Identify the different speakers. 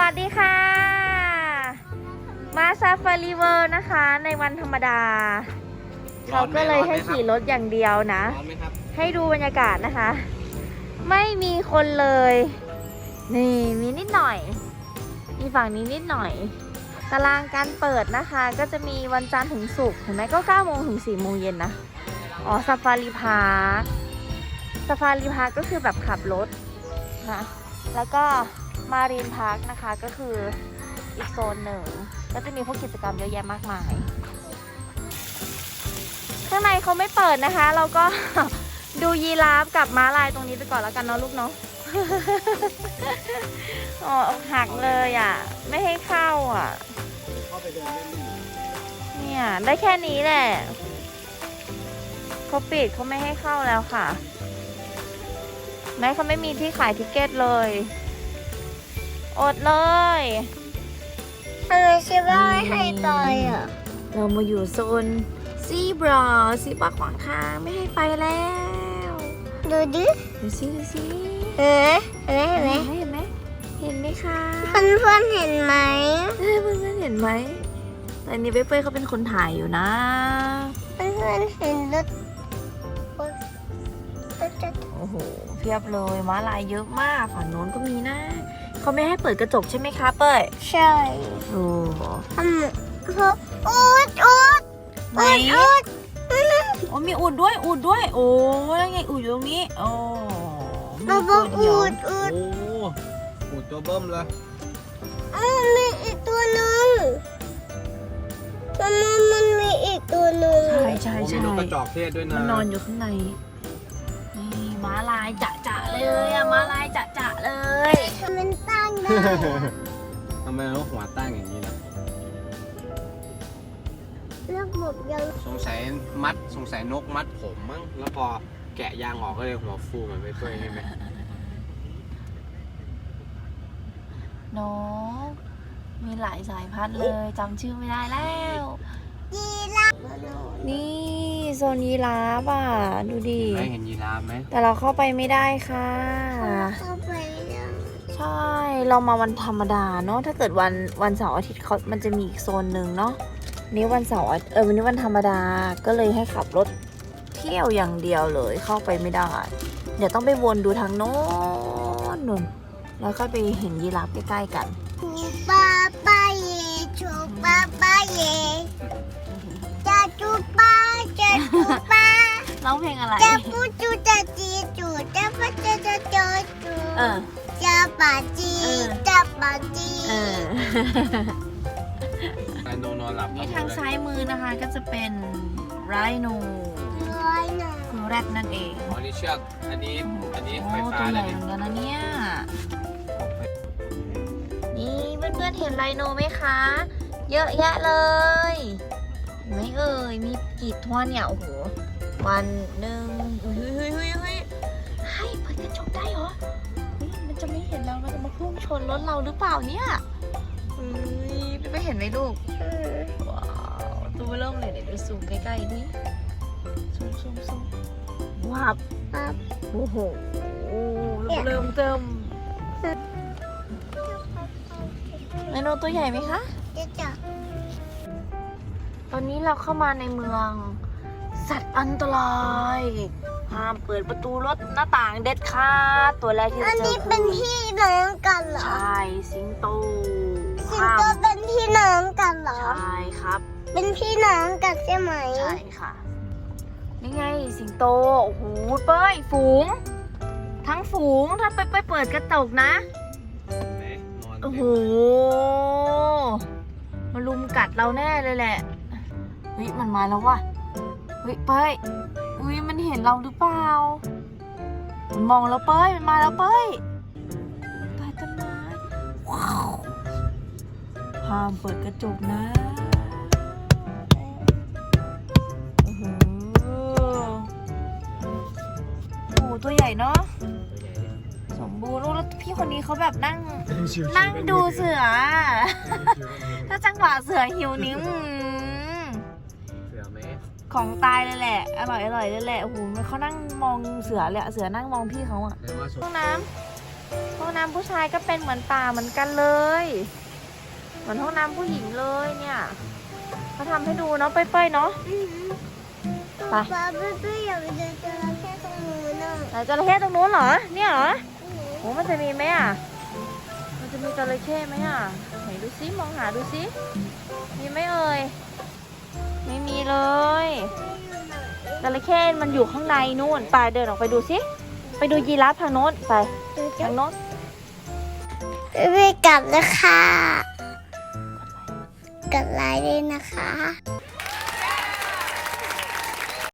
Speaker 1: สดีค่ะมาซาฟารีเวิลด์นะคะในวันธรรมดาเขาก็เลยให้ขี่รถอย่างเดียวนะให้ดูบรรยากาศนะคะ ไม่มีคนเลยนี่มีนิดหน่อยมีฝั่งนี้นิดหน่อยตารางการเปิดนะคะก็จะมีวันจันทร์ถึงศุกร์เห็นไหมก็9 โมงถึง 4 โมงเย็นนะอ๋อซาฟารีพาร์คก็คือแบบขับรถนะแล้วก็มารีนพาร์คนะคะก็คืออีกโซนหนึ่งก็จะมีพวกกิจกรรมเยอะแยะมากมายข้างในเขาไม่เปิดนะคะเราก็ ดูยีราฟกับม้าลายตรงนี้ไปก่อนแล้วกันเนาะลูกเนาะ อ๋อหักเลยอ่ะไม่ให้เข้าอ่ะเนี่ยได้แค่นี้แหละเขาปิดเขาไม่ให้เข้าแล้วค่ะแม้เขาไม่มีที่ขายทิเก็ตเลยอดเลย
Speaker 2: ทำไมชิบ้าไม่ให้ต่อยอ่ะ
Speaker 1: เรามาอยู่โซนซีบราขวางทางไม่ให้ไปแล้ว
Speaker 2: ดูดิ
Speaker 1: ดูสิ
Speaker 2: เห็นไหม
Speaker 1: เห็นไหมคะ
Speaker 2: เพื่อนเห็นไหม
Speaker 1: เพื่อนเห็นไหมแต่นี่เป้ยเขาเป็นคนถ่ายอยู่นะ
Speaker 2: เพื่อนเห็นรถ
Speaker 1: โอ้โหเพียบเลยม้าลายเยอะมากฝั่งโน้นก็มีนะเขาไม่ให้เปิดกระจกใช่ไหมคะเป้ย
Speaker 2: ใช่
Speaker 1: โอ้
Speaker 2: ไหน
Speaker 1: โอ้มีอูดด้วยโอ้ยังไงอูดอยู่ตรงนี้โอ้
Speaker 2: เราบอกอูด
Speaker 3: โอ้อูดตัวเบิ้มเลย
Speaker 2: มีอีกตัวหนึ่งมันมีอีกตัวหนึ่ง
Speaker 1: ใช่
Speaker 3: มีนกกระจอกเทศด้วยนะ
Speaker 1: มันนอนอยู่ข้างในนี่ม้าลายจะเลยอะม้าลายจะเลย
Speaker 2: มันตั้งได้
Speaker 3: ทำไมนกหัวตั้งอย่างนี้ล่ะ
Speaker 2: แล้วหมดยัง
Speaker 3: สงสัยนกมัดผมมั้งแล้วพอแกะยางออกก็เลยหัวฟูเหมือนไปด้วยใช่ไหม
Speaker 1: นกมีหลายสายพันธุ์เลยจำชื่อไม่ได้แล้ว
Speaker 2: ยีราฟ
Speaker 1: นี่โซนยีราฟอ่ะดูดิ
Speaker 3: ไม่เห็นยีราฟไหม
Speaker 1: แต่เราเข้าไปไม่ได้ค่ะ
Speaker 2: เข้าไป
Speaker 1: ใช่เรามาวันธรรมดาเนาะถ้าเกิดวันเสาร์อาทิตย์มันจะมีอีกโซนหนึ่งเนาะนี้วันเสาร์วันนี้วันธรรมดาก็เลยให้ขับรถเที่ยวอย่างเดียวเลยเข้าไปไม่ได้เดี๋ยวต้องไปวนดูทางโน้นนู่นแล้วก็ไปเห็นยีราฟใกล้ๆกัน
Speaker 2: ป้าเย่ชูป้าเย่จะจูป้า
Speaker 1: ร้องเพลงอะไร
Speaker 2: จะปูจูจะจีจูจะป้าจะจูจะป่าจี
Speaker 3: ไรโนนอนหลับ
Speaker 1: นี่ทางซ้ายมือนะคะก็จะเป็นไรโนคือแรดนั่นเอง
Speaker 3: อ๋อนี่เชือกอันนี้ไฟฟ้า
Speaker 1: ตัวใหญ่เหมือนกันนะเนี่ยนี่เพื่อนๆเห็นไรโนไหมคะเยอะแยะเลยไม่เอ่ยมีกี่ตัวเนี่ยโอ้โหวันหนึ่งเฮ้ยให้เปิดกระจกได้เหรอมันจะไม่เห็นเรามันจะมาพุ่งชนรถเราหรือเปล่าเนี่ยไม่เห็นไหมลูกว้าวตัวเริ่มเลยเดี๋ยวดูซูมใกล้ๆดิซูมว้าวโอ้โหเริ่มเติมไดโนตัวใหญ่ไหมคะตอนนี้เราเข้ามาในเมืองสัตว์อันตรายห้ามเปิดประตูรถหน้าต่างเด็ดขาดตัวแรกที่เราเจอคืออันนี้
Speaker 2: เป็นพี่น้องกันเหรอ
Speaker 1: ใช่สิงโต
Speaker 2: เป็นพี่น้องกันเหรอ
Speaker 1: ใช่ครับ
Speaker 2: เป็นพี่น้องกันใช่ไหม
Speaker 1: ใช่ค่ะนี่ไงสิงโตโอ้โหเป้ยฝูงทั้งฝูงถ้าไปเปิดกระจกนะโอ้โหมาลุมกัดเราแน่เลยแหละเฮ้ยมันมาแล้วว่ะเฮ้ยเป้ยอุ้ยมันเห็นเราหรือเปล่ามันมองเราเป้ยมันมาแล้วเป้ยใต้ต้นไม้ว้าวห้ามเปิดกระจกนะโอ้โหตัวใหญ่เนาะสมบูรณ์แล้วพี่คนนี้เขาแบบนั่งดูเสือถ้าจังหวะเสือหิวนิ้วของตายเลยแหละอร่อยเลยแหละโอ้โหเขานั่งมองเสือเลยเสือนั่งมองพี่เขาอะห้องน้ำห้องน้ำผู้ชายก็เป็นเหมือนป่าเหมือนกันเลยเหมือนห้องน้ำผู้หญิงเลยเนี่ยเขาทำให้ดูเนาะเป้ยๆเนาะ ไป
Speaker 2: ป๊าเป้อยากไปเจอจระเข้ตรงนู้นน่ะ
Speaker 1: ไหนจระเข้ตรงนู้นเหรอเนี่ยเหรอโอ้มันจะมีไหมอ่ะมันจะมีจระเข้ไหมอ่ะไหนดูซิมองหาดูซิมีไหมเอ่ยไม่มีเลยจระเข้มันอยู่ข้างในนู่นไปเดินออกไปดูซิไปดูยีราฟทางโน้นไปทางโน้น
Speaker 2: ไปกลับแล้วค่ะกดไลค์ด้วยนะคะ